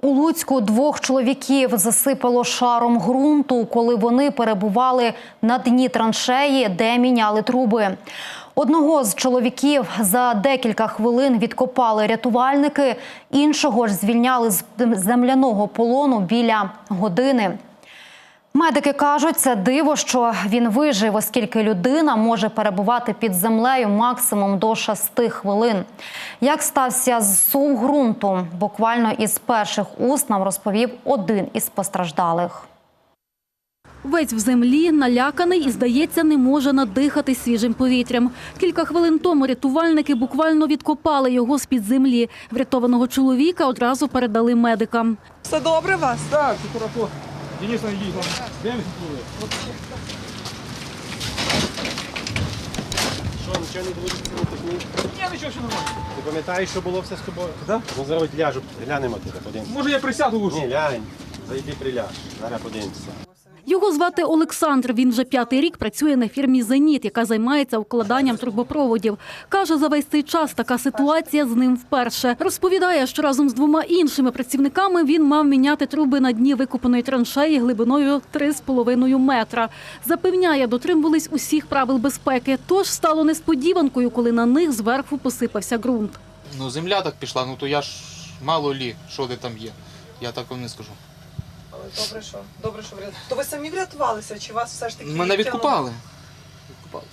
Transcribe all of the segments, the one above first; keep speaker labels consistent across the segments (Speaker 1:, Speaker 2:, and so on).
Speaker 1: У Луцьку 2 чоловіків засипало шаром ґрунту, коли вони перебували на дні траншеї, де міняли труби. Одного з чоловіків за декілька хвилин відкопали рятувальники, іншого ж звільняли з земляного полону біля години. Медики кажуть, це диво, що він вижив, оскільки людина може перебувати під землею максимум до 6 хвилин. Як стався зсув ґрунту, буквально із перших уст нам розповів один із постраждалих.
Speaker 2: Весь в землі, наляканий і, здається, не може надихати свіжим повітрям. Кілька хвилин тому рятувальники буквально відкопали його з-під землі. Врятованого чоловіка одразу передали медикам.
Speaker 3: Все добре у вас?
Speaker 4: Так, все хорошо. Денис, найди, де він плыве?
Speaker 5: Що, нічого не буде?
Speaker 4: Ні, нічого, все нормально.
Speaker 5: Ти пам'ятаєш, що було все з тобою?
Speaker 4: Так?
Speaker 5: Ну зараз ляжу, глянемо туди, подивимося.
Speaker 4: Може я присяду лучше?
Speaker 5: Ні, лянь, зайди приляж, зараз подивимося.
Speaker 2: Його звати Олександр. Він вже 5-й рік працює на фірмі «Зеніт», яка займається укладанням трубопроводів. Каже, за весь цей час така ситуація з ним вперше. Розповідає, що разом з 2 іншими працівниками він мав міняти труби на дні викопаної траншеї глибиною 3,5 метра. Запевняє, дотримувались усіх правил безпеки. Тож стало несподіванкою, коли на них зверху посипався ґрунт.
Speaker 6: Ну, земля так пішла, ну то я ж мало лі, що де там є. Я так вам не скажу.
Speaker 3: Добре, що врятувалися. То ви самі врятувалися, чи вас все ж таки
Speaker 6: Мене
Speaker 3: відтягнуло?
Speaker 6: відкупали.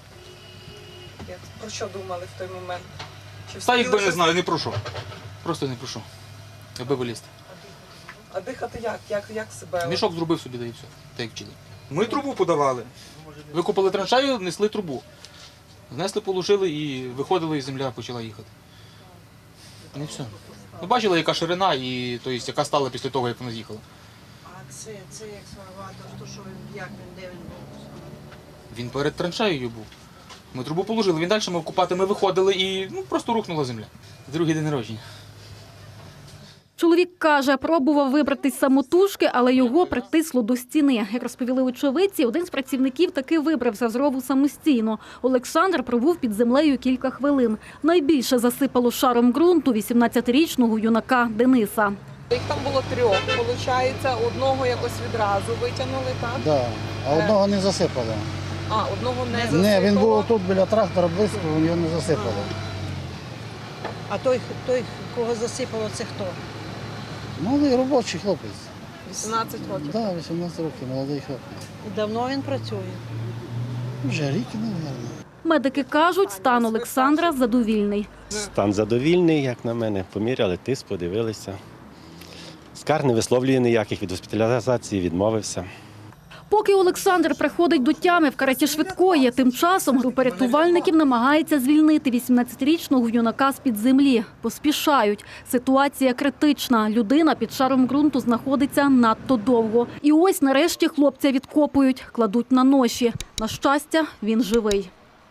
Speaker 3: Про що думали в той момент? Чи
Speaker 6: Та
Speaker 3: встигли
Speaker 6: якби не
Speaker 3: щось-
Speaker 6: знаю, не прошу. Просто не прошу. Аби вилізти.
Speaker 3: А дихати як? Як себе?
Speaker 6: Мішок зробив собі, да і все. Так як вчили.
Speaker 4: Ми трубу подавали.
Speaker 6: Викопали траншею, несли трубу. Знесли, положили і виходили, і земля почала їхати. Не все. Ну, бачили, яка ширина, і, тобто, яка стала після того, як вона з'їхала.
Speaker 7: А це як сварвато, то що він, як він, де він був?
Speaker 6: Він перед траншеєю був. Ми трубу положили, він далі мав купати, ми виходили і просто рухнула земля. Другий день народження.
Speaker 2: Чоловік каже, пробував вибратись самотужки, але його притисло до стіни. Як розповіли очевидці, один з працівників таки вибрався з рову самостійно. Олександр пробув під землею кілька хвилин. Найбільше засипало шаром ґрунту 18-річного юнака Дениса.
Speaker 3: Їх там було 3, виходить, одного якось відразу витягнули, так?
Speaker 8: Да. А одного не засипало.
Speaker 3: А, одного не засипало.
Speaker 8: Ні, він був тут біля трактора близько, його не засипало.
Speaker 7: А той, кого засипало, це хто?
Speaker 8: Молодий робочий хлопець.
Speaker 3: 18 років.
Speaker 8: Так, да, 18 років, молодий хлопець.
Speaker 7: І давно він працює?
Speaker 8: Вже рік, мабуть.
Speaker 2: Медики кажуть, стан Олександра задовільний.
Speaker 5: Стан задовільний, як на мене. Поміряли тиск, подивилися. Скарг не висловлює ніяких, від госпіталізації відмовився.
Speaker 2: Поки Олександр приходить до тями в кареті швидкої, тим часом група рятувальників намагається звільнити 18-річного юнака з-під землі. Поспішають. Ситуація критична. Людина під шаром ґрунту знаходиться надто довго. І ось нарешті хлопця відкопують, кладуть на ноші. На щастя, він живий.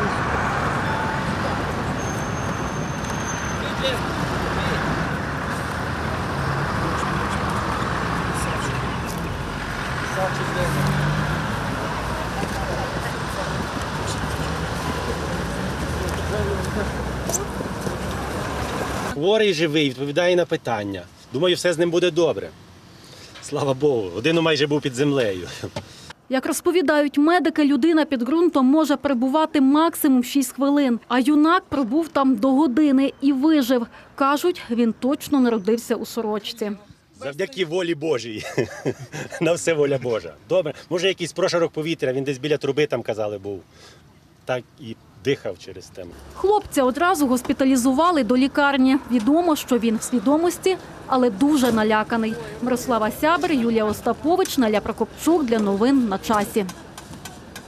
Speaker 5: Хворий живий, відповідає на питання. Думаю, все з ним буде добре. Слава Богу, годину майже був під землею.
Speaker 2: Як розповідають медики, людина під ґрунтом може перебувати максимум 6 хвилин. А юнак пробув там до години і вижив. Кажуть, він точно народився у сорочці.
Speaker 5: Завдяки волі Божій. На все воля Божа. Добре, може якийсь прошарок повітря, він десь біля труби, там казали, був. Так і дихав через тему.
Speaker 2: Хлопця одразу госпіталізували до лікарні. Відомо, що він в свідомості, але дуже наляканий. Мирослава Сябер, Юлія Остапович, Наля Прокопчук для новин на часі.